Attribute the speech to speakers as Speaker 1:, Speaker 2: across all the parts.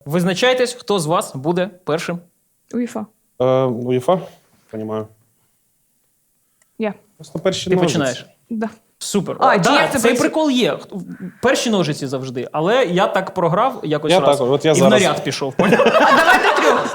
Speaker 1: Визначайтесь, хто з вас буде першим.
Speaker 2: УЄФА.
Speaker 3: УЄФА? Понімаю.
Speaker 2: Я.
Speaker 3: Просто перші
Speaker 1: Ти
Speaker 3: ножиці.
Speaker 1: починаєш.
Speaker 2: Да.
Speaker 1: Супер.
Speaker 2: А, чи як це
Speaker 1: цей
Speaker 2: працює?
Speaker 1: прикол є. Перші ножиці завжди. Але я так програв якось
Speaker 3: Я
Speaker 1: раз.
Speaker 3: так, от я
Speaker 1: і
Speaker 3: зараз.
Speaker 1: в наряд пішов.
Speaker 2: А давайте трьох.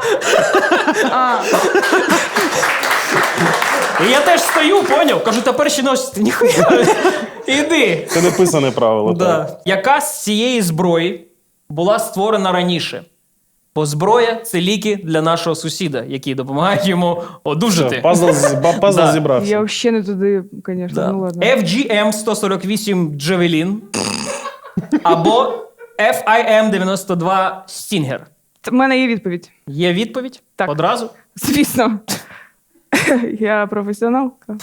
Speaker 1: І я теж стою, поняв? Кажу, та перші ножиці, ніхуя. Іди.
Speaker 3: Це не писане правило. Так.
Speaker 1: Да. Яка з цієї зброї була створена раніше? Бо зброя – це ліки для нашого сусіда, які допомагають йому одужати.
Speaker 3: Пазл
Speaker 1: Да.
Speaker 3: зібрався.
Speaker 2: Я взагалі не туди, звісно.
Speaker 1: Да.
Speaker 2: Ну ладно.
Speaker 1: FGM-148 Javelin або FIM-92 Stinger.
Speaker 2: В мене є відповідь.
Speaker 1: Є відповідь?
Speaker 2: Так.
Speaker 1: Одразу?
Speaker 2: Звісно. Я професіоналка.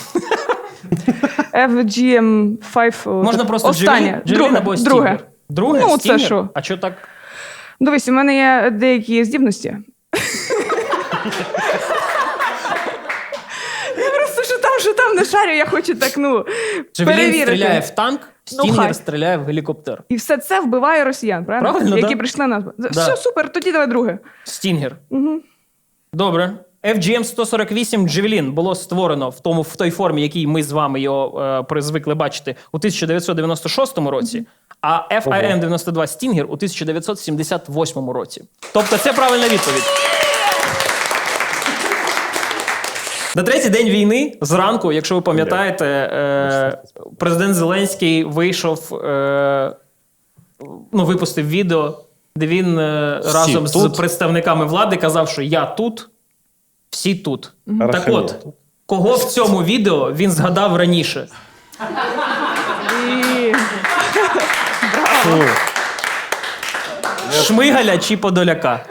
Speaker 2: FGM5.
Speaker 1: Можна просто
Speaker 2: останнє.
Speaker 1: Javelin або Stinger.
Speaker 2: Друге.
Speaker 1: Друге?
Speaker 2: Ну, це
Speaker 1: Stinger?
Speaker 2: що?
Speaker 1: А що так?
Speaker 2: Дивись, у мене є деякі здібності. Я просто що там не шарю, я хочу так,
Speaker 1: Javelin
Speaker 2: перевірити.
Speaker 1: стріляє в танк,
Speaker 2: Ну,
Speaker 1: Stinger
Speaker 2: хай.
Speaker 1: стріляє в гелікоптер.
Speaker 2: І все це вбиває росіян, правильно?
Speaker 1: Правильно,
Speaker 2: Які
Speaker 1: да.
Speaker 2: прийшли нас. Все, супер, тоді давай друге.
Speaker 1: Stinger. Добре. FGM-148 Javelin було створено в той формі, якій ми з вами його звикли бачити, у 1996 році, а FIM-92 Stinger у 1978 році. Тобто це правильна відповідь. На третій день війни, зранку, якщо ви пам'ятаєте, президент Зеленський вийшов, випустив відео, де він разом з представниками влади казав, що я тут, всі тут. Так от, кого в цьому відео він згадав раніше? Шмигаля чи Подоляка?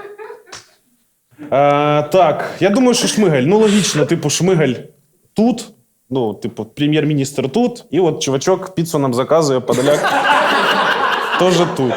Speaker 3: Так, я думаю, що Шмигаль. Ну, логічно, типу, Шмигаль тут, прем'єр-міністр тут, і от чувачок піцу нам заказує, Подоляк теж тут.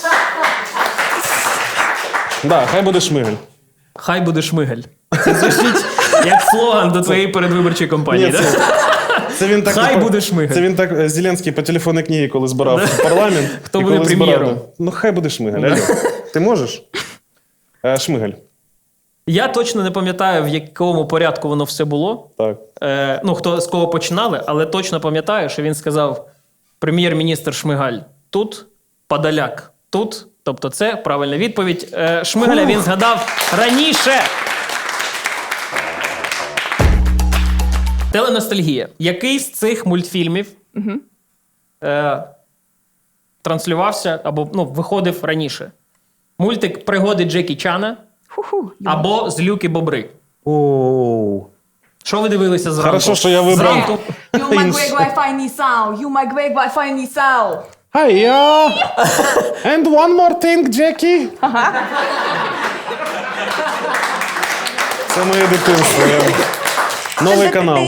Speaker 3: Да, хай буде Шмигаль.
Speaker 1: Хай буде Шмигаль. Це звучить як слоган до твоєї передвиборчої кампанії.
Speaker 3: Ні,
Speaker 1: да?
Speaker 3: Це він так,
Speaker 1: Хай буде Шмигаль.
Speaker 3: Це він так Зеленський по телефонній книгі, коли збирав парламент.
Speaker 1: Хто
Speaker 3: і
Speaker 1: буде
Speaker 3: коли
Speaker 1: прем'єром?
Speaker 3: збирав, ну, хай буде Шмигаль. Алло. Ти можеш? Шмигаль.
Speaker 1: Я точно не пам'ятаю, в якому порядку воно все було.
Speaker 3: Так.
Speaker 1: Хто з кого починали, але точно пам'ятаю, що він сказав: прем'єр-міністр Шмигаль тут, Подоляк тут. Тобто це правильна відповідь. Шмигаля він згадав раніше. Теленостальгія. Який з цих мультфільмів транслювався або виходив раніше? Мультик «Пригоди Джекі Чана» або «Злюки Бобри».
Speaker 3: Оу.
Speaker 1: Що ви дивилися зранку?
Speaker 3: Хорошо, що я вибрав.
Speaker 1: Зранку.
Speaker 4: You might break Wi-Fi Nissan. You might break Wi-Fi Nissan.
Speaker 3: Hiya! And one more thing, Jackie. Це моє дитинство. Новий канал.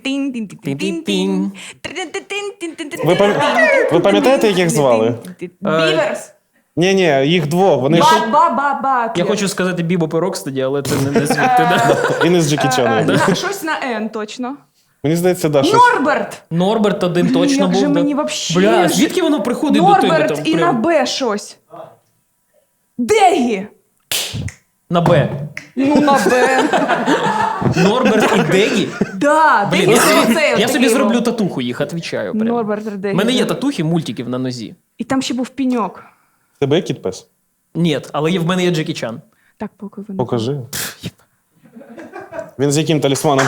Speaker 3: Ви пам'ятаєте, як їх звали?
Speaker 4: Біверс.
Speaker 3: Ні, їх двох. Вони ж
Speaker 4: Ба-ба-ба-ба.
Speaker 1: Я хочу сказати Бібо Перокстеді, але це не звідти. Да?
Speaker 3: і не з Джекі Чаном.
Speaker 2: Щось на Н, точно.
Speaker 3: Мені здається, да, щось.
Speaker 4: Норберт.
Speaker 1: Норберт один точно
Speaker 2: Як
Speaker 1: був.
Speaker 2: же
Speaker 1: да.
Speaker 2: мені вообще
Speaker 1: Бля, а
Speaker 2: ж-
Speaker 1: звідки воно приходить до тебе?
Speaker 2: Норберт
Speaker 1: Там,
Speaker 2: і на
Speaker 1: прям?
Speaker 2: Б щось. Дегі.
Speaker 1: На Б.
Speaker 2: Ну, на Б.
Speaker 1: Норберт і Дегі?
Speaker 4: Да,
Speaker 1: Блін,
Speaker 4: Дегі
Speaker 1: я
Speaker 4: це
Speaker 1: собі,
Speaker 4: оцей
Speaker 1: я
Speaker 4: от
Speaker 1: собі
Speaker 4: такий
Speaker 1: зроблю
Speaker 4: був.
Speaker 1: татуху, їх відвічаю. Прям.
Speaker 2: Норберт
Speaker 1: У
Speaker 2: Дегі.
Speaker 1: мене є татухи мультиків на нозі.
Speaker 2: І там ще був піньок.
Speaker 3: Тебе є кіт-пес?
Speaker 1: Ні, але в мене є Джекі Чан.
Speaker 2: Так, поки ви не...
Speaker 3: Покажи. Він з яким талісманом?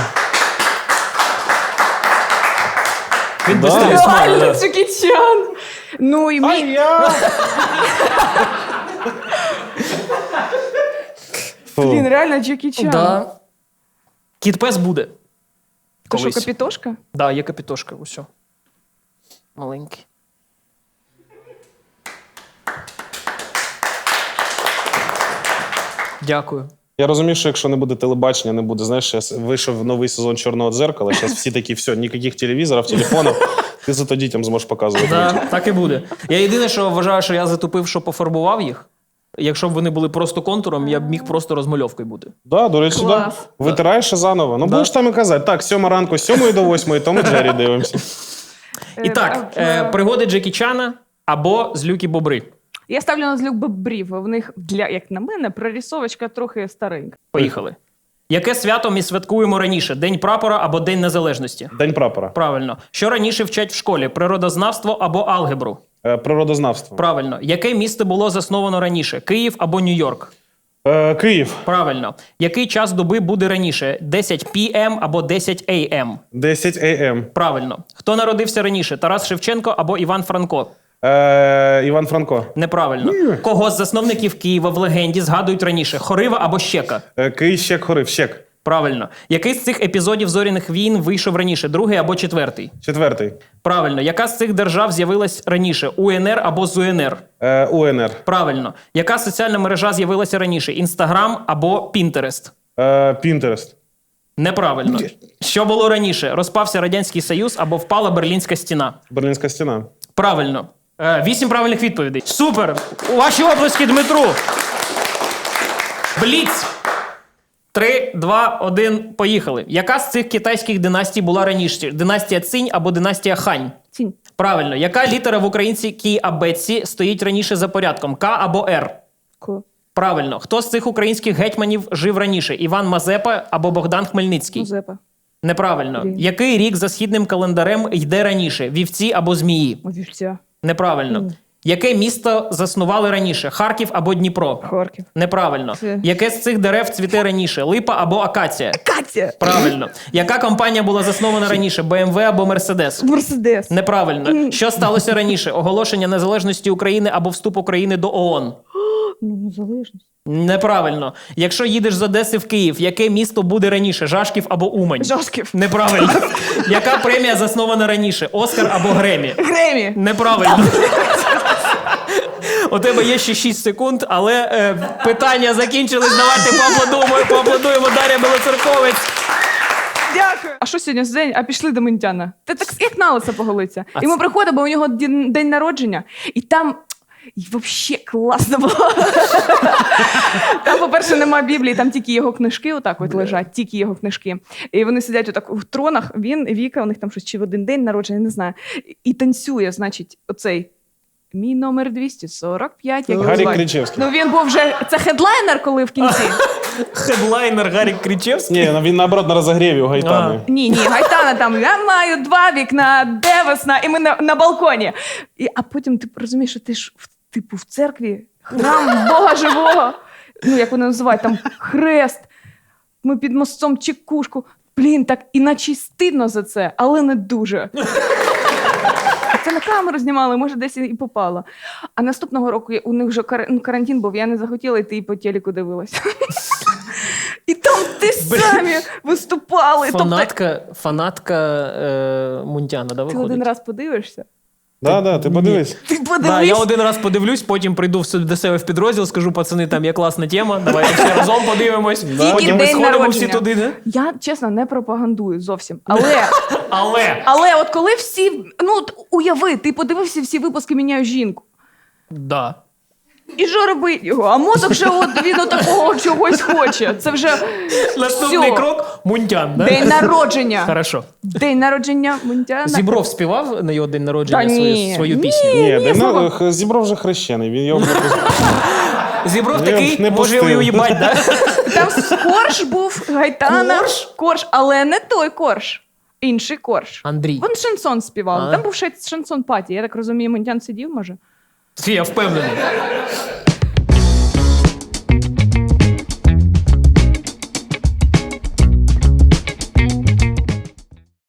Speaker 1: Він без
Speaker 3: Да.
Speaker 1: талісману.
Speaker 2: Реально,
Speaker 1: да.
Speaker 2: Джекі Чан. Ну, і мій... Блін, реально Джекі Чан.
Speaker 1: Да. Кіт-пес буде.
Speaker 2: То що,
Speaker 1: Колись.
Speaker 2: капітошка?
Speaker 1: Да, є капітошка, усьо. Маленький. Дякую.
Speaker 3: Я розумію, що якщо не буде телебачення, не буде, знаєш, зараз вийшов новий сезон «Чорного дзеркала», зараз всі такі, все, ніяких телевізорів, телефонів, ти зато дітям зможеш показувати.
Speaker 1: Да, так і буде. Я єдине, що вважаю, що я затупив, що пофарбував їх. Якщо б вони були просто контуром, я б міг просто розмальовкою бути.
Speaker 3: Да, до речі, да.
Speaker 2: Клас.
Speaker 3: Витираєш і заново. Ну,
Speaker 1: Да.
Speaker 3: будеш там і казати, так, 7 ранку, з 7 до 8, то ми Джері дивимося.
Speaker 1: І так, пригоди Джекі Чана або Злюки Бобри.
Speaker 2: Я ставлю на злюк бобрів. В них, як на мене, прорисовочка трохи старенька.
Speaker 1: Поїхали. Яке свято ми святкуємо раніше? День прапора або День Незалежності?
Speaker 3: День прапора.
Speaker 1: Правильно. Що раніше вчать в школі? Природознавство або алгебру?
Speaker 3: Природознавство.
Speaker 1: Правильно. Яке місто було засновано раніше? Київ або Нью-Йорк?
Speaker 3: Київ.
Speaker 1: Правильно. Який час доби буде раніше? 10 p.m. або 10 a.m.?
Speaker 3: 10 a.m.
Speaker 1: Правильно. Хто народився раніше? Тарас Шевченко або Іван Франко?
Speaker 3: Іван Франко.
Speaker 1: Неправильно. Кого з засновників Києва в легенді згадують раніше? Хорива або Щека?
Speaker 3: Кий, Щек, Хорив. Щек.
Speaker 1: Правильно. Який з цих епізодів «Зоряних війн» вийшов раніше? Другий або четвертий?
Speaker 3: Четвертий.
Speaker 1: Правильно. Яка з цих держав з'явилась раніше? УНР або ЗУНР?
Speaker 3: УНР.
Speaker 1: Правильно. Яка соціальна мережа з'явилася раніше? Інстаграм або Пінтерест?
Speaker 3: Пінтерест.
Speaker 1: Неправильно. Що було раніше? Розпався Радянський Союз або впала Берлінська стіна?
Speaker 3: Берлінська стіна.
Speaker 1: Правильно. 8 правильних відповідей. Супер! У ваші оплески Дмитру. Бліц. 3, 2, 1, поїхали. Яка з цих китайських династій була раніше? Династія Цинь або династія Хань?
Speaker 2: Цінь.
Speaker 1: Правильно. Яка літера в українській абетці стоїть раніше за порядком? К або Р?
Speaker 2: Ко.
Speaker 1: Правильно. Хто з цих українських гетьманів жив раніше? Іван Мазепа або Богдан Хмельницький?
Speaker 2: Мазепа.
Speaker 1: Неправильно.
Speaker 2: Блін.
Speaker 1: Який рік за східним календарем йде раніше? Вівці або змії?
Speaker 2: Вівця.
Speaker 1: Неправильно. Яке місто заснували раніше? Харків або Дніпро?
Speaker 2: Харків.
Speaker 1: Неправильно.
Speaker 2: Це-
Speaker 1: Яке з цих дерев цвіте раніше? Липа або акація?
Speaker 2: Катя.
Speaker 1: Правильно. Яка компанія була заснована раніше? БМВ або Мерседес?
Speaker 2: Мерседес.
Speaker 1: Неправильно. Що сталося раніше? Оголошення незалежності України або вступ України до ООН?
Speaker 2: Ну, незалежність.
Speaker 1: Неправильно. Якщо їдеш з Одеси в Київ, яке місто буде раніше? Жашків або Умань?
Speaker 2: Жашків.
Speaker 1: Неправильно. Яка премія заснована раніше? Оскар або Гремі?
Speaker 2: Гремі.
Speaker 1: Неправильно. У тебе є ще 6 секунд, але питання закінчились. Давайте поаплодуємо Дар'я Білоцерковець.
Speaker 2: Дякую. А що сьогодні за день? А пішли до Ментяна. Ти так як на лице поголиться. І ми приходимо, у нього день народження, і там і взагалі класно було. Там, по-перше, нема Біблії, там тільки його книжки отак от лежать, тільки його книжки. І вони сидять отак в тронах, він, Віка, у них там щось чи в один день народження, не знаю. І танцює, значить, оцей мій номер 245. Як його
Speaker 3: Гарік
Speaker 2: звати?
Speaker 3: Кричевський.
Speaker 2: Ну він був вже, це хедлайнер, коли в кінці.
Speaker 1: Хедлайнер Гарік Кричевський.
Speaker 3: Ні, він наоборот на розогріві у Гайтани.
Speaker 2: Ні, Гайтана там, я маю 2 вікна, де весна, і ми на балконі. А потім ти розумієш, що ти ж в церкві, храм Бога живого, ну як вони називають, там хрест, ми під мостом чекушку. Блін, так іначе стидно за це, але не дуже. Це на камеру знімали, може десь і попало. А наступного року у них вже карантин був, я не захотіла йти і по телеку дивилася. І там ти самі виступали.
Speaker 1: Фанатка Мунтяна, да,
Speaker 2: Ти
Speaker 1: виходить?
Speaker 2: один раз подивишся?
Speaker 3: Да, ти подивись.
Speaker 2: Ти
Speaker 1: Да,
Speaker 2: подивись.
Speaker 1: я один раз подивлюсь, потім прийду до себе в підрозділ, скажу, пацани, там є класна тема, давайте всі разом подивимось.
Speaker 2: Тільки
Speaker 1: Потім ми
Speaker 2: день
Speaker 1: сходимо
Speaker 2: народження.
Speaker 1: всі туди, не?
Speaker 2: Я, чесно, не пропагандую зовсім.
Speaker 1: Але,
Speaker 2: От коли всі, ну от уяви, ти подивився всі випуски «Міняю жінку».
Speaker 1: да.
Speaker 2: І що робить його? А мозок вже от він такого чогось хоче. Це вже
Speaker 1: Наступний
Speaker 2: всьо.
Speaker 1: крок – Мунтян, да?
Speaker 2: День народження.
Speaker 1: Хорошо.
Speaker 2: День народження Мунтяна.
Speaker 1: Зібров співав на його день народження
Speaker 2: Та ні.
Speaker 1: свою
Speaker 2: Ні.
Speaker 1: пісню?
Speaker 3: Ні, Зібров вже хрещений. Він його
Speaker 1: Зібров
Speaker 3: Ні,
Speaker 1: такий,
Speaker 3: не
Speaker 1: може
Speaker 3: пустив.
Speaker 1: уїбать, да?
Speaker 2: Там Корж був, Гайтана.
Speaker 1: Корж?
Speaker 2: Корж, але не той Корж. Інший Корж.
Speaker 1: Андрій.
Speaker 2: Він шансон співав.
Speaker 1: А.
Speaker 2: Там був шансон паті. Я так розумію, Мунтян сидів, може?
Speaker 1: Я впевнений.